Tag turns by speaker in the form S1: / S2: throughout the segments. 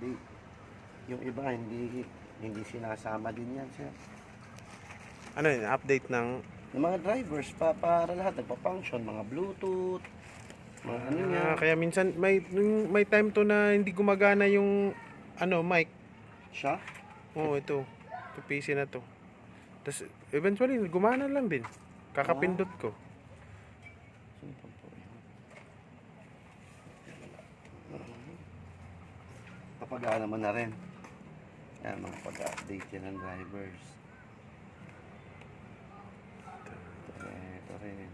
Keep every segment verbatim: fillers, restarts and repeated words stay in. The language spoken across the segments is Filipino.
S1: update. Yung iba, hindi hindi sinasama din yan, sir.
S2: Ano yun? Update ng...
S1: Yung mga drivers, pa, para lahat nagpa-function, mga Bluetooth, mga ano
S2: Ah,
S1: yan.
S2: kaya minsan may nung may time to na hindi gumagana yung ano, mic.
S1: Siya?
S2: Oo, ito. Ito P C na to. Tapos eventually gumana lang din. Kakapindot ko.
S1: Sino pa po yun? Papagana mo na rin. Yan, mga pag-update yan ng drivers. Ito rin, ito rin.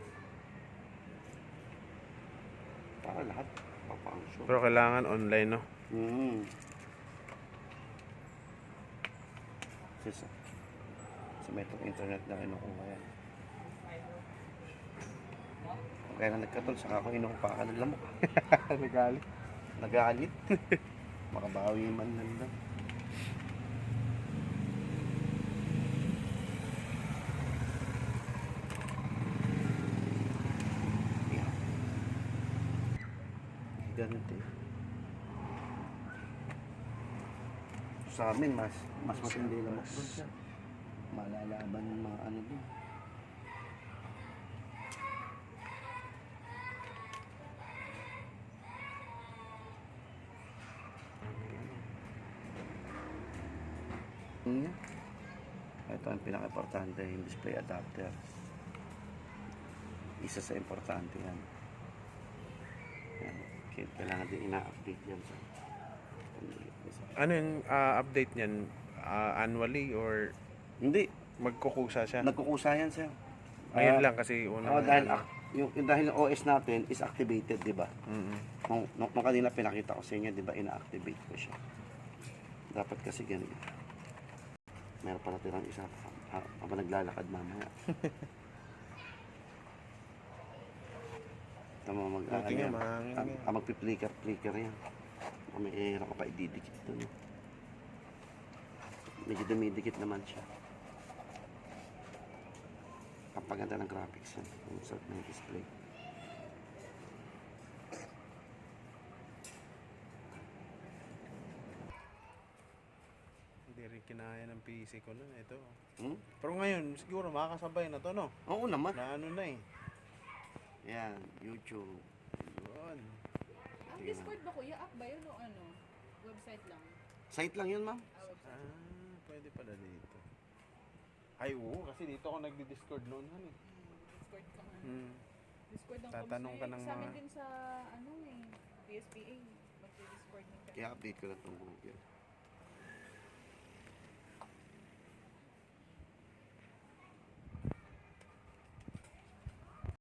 S1: Para lahat pa-function.
S2: Pero kailangan online, no?
S1: Hmm. Sisa. Sa may itong internet na kinukuha yan. Kaya na nagkatol, saka ako inuupakan ng lamok.
S2: Nagalit.
S1: Nagalit. Makabawi man lang daw. Yeah. Ganito eh. Sa amin, mas mas matindi lamok doon siya. Malalaban yung mga ano doon. Niya. Ito ang pinaka-importante, yung display adapter. Isa sa importante yan. Yan. Kailangan din ina-update yan. So,
S2: Ano yung ah, update niyan? Ah, annually or
S1: hindi.
S2: magkukusa siya?
S1: Nagkukusa yan, sir.
S2: Ngayon
S1: Ah,
S2: lang kasi una.
S1: oh, dahil, ak- yung, yung, dahil yung O S natin is activated, di ba?
S2: Mm-mm.
S1: Nung, nung, nung kanina pinakita ko sa inyo, di ba, ina-activate ko siya. Dapat kasi ganyan. Meron pa natirang isa ha, habang naglalakad mamaya. Tama mag
S2: Buti nga, mahangin
S1: ah,
S2: nga.
S1: ah, magpi-flicker flicker yan. Ah, may era ka pa ididikit doon. Medyo dumidikit naman siya. Ang paganda ng graphics yan. Yung sa may display.
S2: Hindi rin kinaya ng P C ko nun. Ito.
S1: Hmm?
S2: Pero ngayon, siguro makakasabay na to, no?
S1: Oo naman.
S2: Na ano na eh.
S1: Yan, YouTube.
S2: Yun.
S3: Ang Discord ba kuya? App ba yun o ano? Website lang?
S1: Site lang yun, ma'am.
S3: Ah, website.
S2: Ah, pwede pala dito. Ay, oo. Kasi dito ako nagdi-Discord noon. Ano eh.
S3: Hmm, Discord ka nga.
S2: Hmm.
S3: Discord ng
S2: Tatanong ka
S3: Comsec.
S2: ng
S3: Sa amin
S2: mga-
S3: din sa ano eh, P S P A. Magdi-Discord din kami.
S1: Kaya update ko lang itong Google.